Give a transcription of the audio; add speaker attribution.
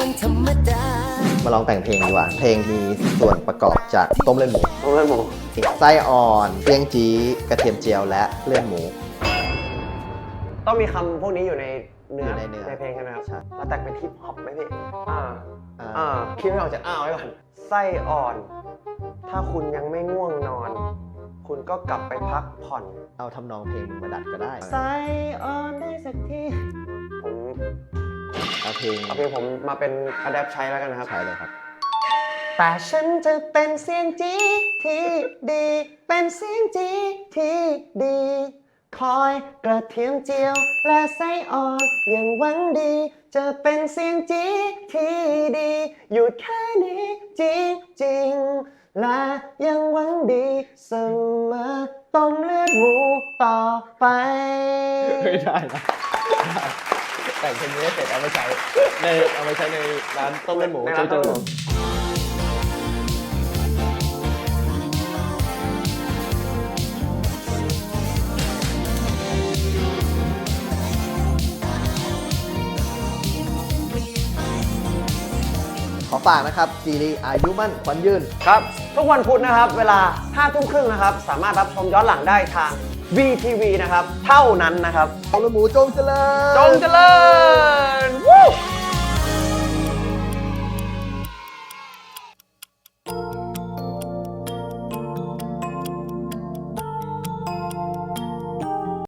Speaker 1: มันธรรมดา
Speaker 2: มาลองแต่งเพลงดีกว่าเพลงมีส่วนประกอบจากต้มเลือดหมู
Speaker 3: ต้มเลือดหมู
Speaker 2: ไส้อ่อนเปียงจี้กระเทียมเจียวและเลือดหมู
Speaker 3: ต้องมีคำพวกนี้อยู่ในเนื้อ
Speaker 2: อยู่ในเนื้อ
Speaker 3: เพลงใช่ไหมครับ
Speaker 2: ใช่
Speaker 3: เราแต่งเป็นฮิปฮอปไหมพี่
Speaker 2: อ่า
Speaker 3: คิดไม่ออกจะไว้ก่อนไส้อ่อน ถ้าคุณยังไม่ง่วงนอน คุณก็กลับไปพักผ่อน
Speaker 2: เอาทำนองเพลงมึงมาดัดก็ได้
Speaker 3: ไส้อ่อนได้สักทีผม
Speaker 2: เอาเพลง
Speaker 3: เอาเพลงผมมาเป็นอะแดปใช้แล้วกันนะครับ
Speaker 2: ใช้เลยครับ
Speaker 3: แต่ฉันจะเป็นเสียงจีที่ดี เป็นเสียงจีที่ดี คอยกระเทียมเจียวและไส้อ่อนอย่างหวังดี จะเป็นเสียงจีที่ดี หยุดแค่นี้จริงๆและยังหวังดีเสมอต้มเลือดหมูต่อไป
Speaker 2: ไม่ได้นะแต่งเพลงนี้เสร็จเอาไปใช้ในร้านต้มเลือดหมู
Speaker 3: ในร้านต้มเลือดหมู
Speaker 2: ขอฝากนะครับซีรีส์อายุมั่นขวัญยืน
Speaker 3: ครับ ทุกวันพุธนะครับ เวลา 5 ทุ่มครึ่งนะครับ สามารถรับชมย้อนหลังได้ทาง VTV นะครับ เท่านั้นนะครับ
Speaker 2: ต้มเลือดหมูจงเจริญ
Speaker 3: จงเจริญวู้